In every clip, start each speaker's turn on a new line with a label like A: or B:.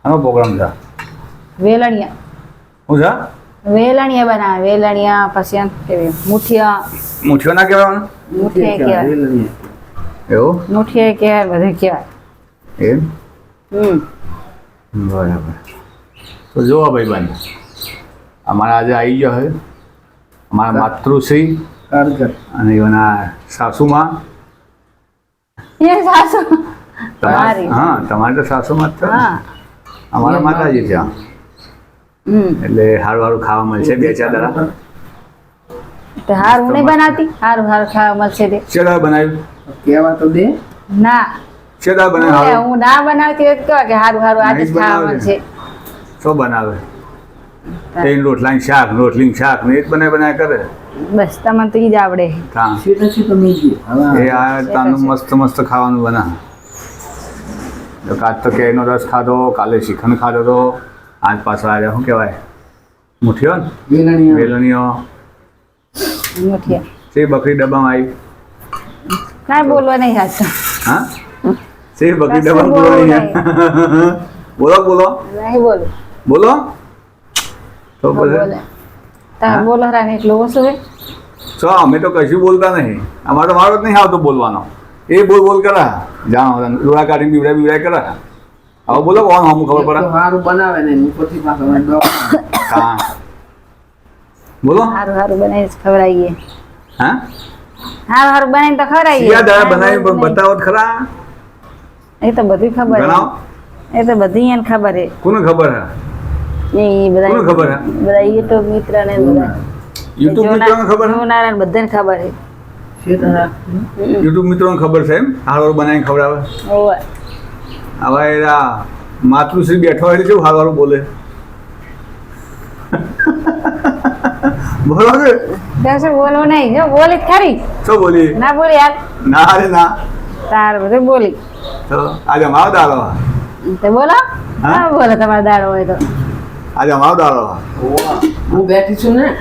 A: આનો પ્રોગ્રામ છે
B: વેલણિયા
A: શું છે
B: વેલણિયા બનાવે વેલણિયા પછી એમ કેવી મુઠિયા
A: મૂછ્યો ના કહેવાનું
B: મુઠિયા કહેવાય
A: એવું
B: મુઠિયા કહેવાય બધું કહેવાય
A: એમ
B: હમ
A: બરાબર તો જોવા ભાઈ બંધ અમારા આજે આવી ગયો છે અમારા માતૃશ્રી અને એના સાસુમાં
B: એ સાસુ
A: તમારી હા તમારે તો સાસુમાં જ છે ને?
B: હા
A: અમારા માતાજી છે એટલે સારું સારું ખાવા મળશે બે ચાર દાડા
B: તો હારું નહીં બનાવતી હારું હારું ખાવા મળશે તે
A: ચેડા બનાવ્યું
C: કેવા તો દે
B: ના
A: ચેડા બનાવ્યું
B: હું ના બનાવતી હોય તો કેવા કે હારું હારું આજે જ ખાવા મળશે
A: શું બનાવે તેલ રોટલાની શાક રોટલીની શાક ને એ જ બનાવી કરે
B: બસ તમને તો ઈ જ આવડે
A: હા
C: છે તો મીજી
A: એ આ તાનું મસ્ત મસ્ત ખાવાનું બના તો કાલ તો કેરીનો રસ ખાધો કાલે શ્રીખંડ ખાધો તો આજ પાછો આજે શું કહેવાય મુઠ્યો ને
C: વેલણીયા
A: વેલણીઓ
B: મુઠિયા
A: તે બકરી ડબ્બામાં આવી
B: કાંઈ બોલવા નહીં હાચું
A: હા તે બકરી ડબ્બામાં
B: બોલવું
A: બોલવાની બોલો બોલો
B: નહીં બોલું
A: બોલો તો
B: બોલે
A: પછી
B: તમે બોલો રાને એટલું ઓછું હોય
A: છો અમે તો કશું બોલતા નહીં અમારે તો વારો જ નહીં આવતો બોલવાનો એ બોલ બોલ કરા જાણો ડોળા કાઢીને બીવડાય બીવડાય કરા હવે બોલો કોણ અમુક ખબર પડે
C: સારું બનાવે ને ઉપરથી પાછો
A: હા બોલો
B: સારું સારું બનાવીને ખવડાવીએ
A: હા
B: સારું સારું બનાવીને તો ખવડાવીએ
A: સીધા દાડા બનાવી પણ બતાવો તો ખરા
B: એ તો બધી ખબર
A: જણાવો
B: એ તો બધી એને ખબર છે
A: કોને ખબર હે
B: એ બધા
A: કોને ખબર હે
B: બધા યુટ્યુબ મિત્ર ને બધા
A: યુટ્યુબ મિત્રોને ખબર હે
B: જોનારા ને બધાને ખબર છે
A: યુટ્યુબ મિત્રોને ખબર છે એમ હારવાર બનાવીને ખવડાવે
B: ઓવે
A: હવે એરા માતૃશ્રી બેઠો હોય એટલે કેવું હારવારું બોલે બોલો કે
B: કશું બોલવું નહીં જો બોલી જ ખરી
A: શું બોલી
B: ના બોલી યાર
A: ના અરે ના
B: તાર બધું બોલી
A: તો આજે અમારો દાડો
B: તો બોલો
A: હા?
B: હા બોલો તમારો દાડો હોય તો
A: આજે અમારો દાડો
C: હું બેઠી છું ને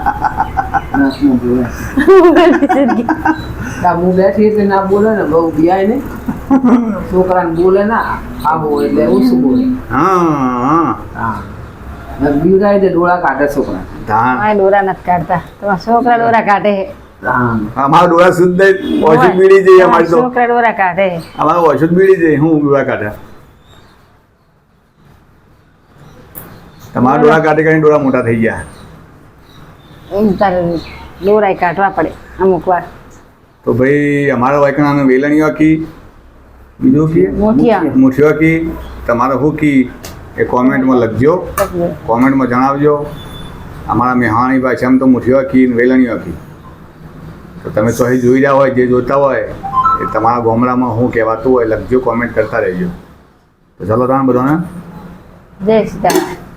C: હું બેઠી એટલે ના બોલે ને બહુ બિયાય ને છોકરાને બોલે ના આવો એટલે ઓછું બોલે
A: હા
C: હા બીવડાય દે ડોળા કાઢે છોકરા
A: ધાન
B: મારે દોરા નથી કાઢતા તમારા છોકરા દોરા કાઢે છે.
C: હા
A: અમારો ડોળા શુદ્ધ ઓછું બીડી જઈએ અમારી તો
B: છોકરા દોરા કાઢે છે.
A: અમારો ઓછું બીડી જઈએ હું ડોળા કાઢે તમારા ડોળા કાઢી કાઢીને ડોળા મોટા થઈ ગયા
B: એમ તારે દોરાય કાઢવા પડે અમુક વાર
A: તો ભાઈ અમારા વાયકણાનું વેલણીઓ કી બીજું કી
B: મોઠિયા
A: મુઠિયો કી તમારે શું કી એ કોમેન્ટમાં લખજો કોમેન્ટમાં જણાવજો અમારા મેહાણી ભાષામાં તો મુઠિયો કી ને વેલણીઓ કી તો તમે તો અહીં જોઈ રહ્યા હોય જે જોતા હોય એ તમારા ગામડામાં શું કહેવાતું હોય લખજો કોમેન્ટ કરતા રહેજો તો ચાલો તમે બધાને
B: જય સીતારામ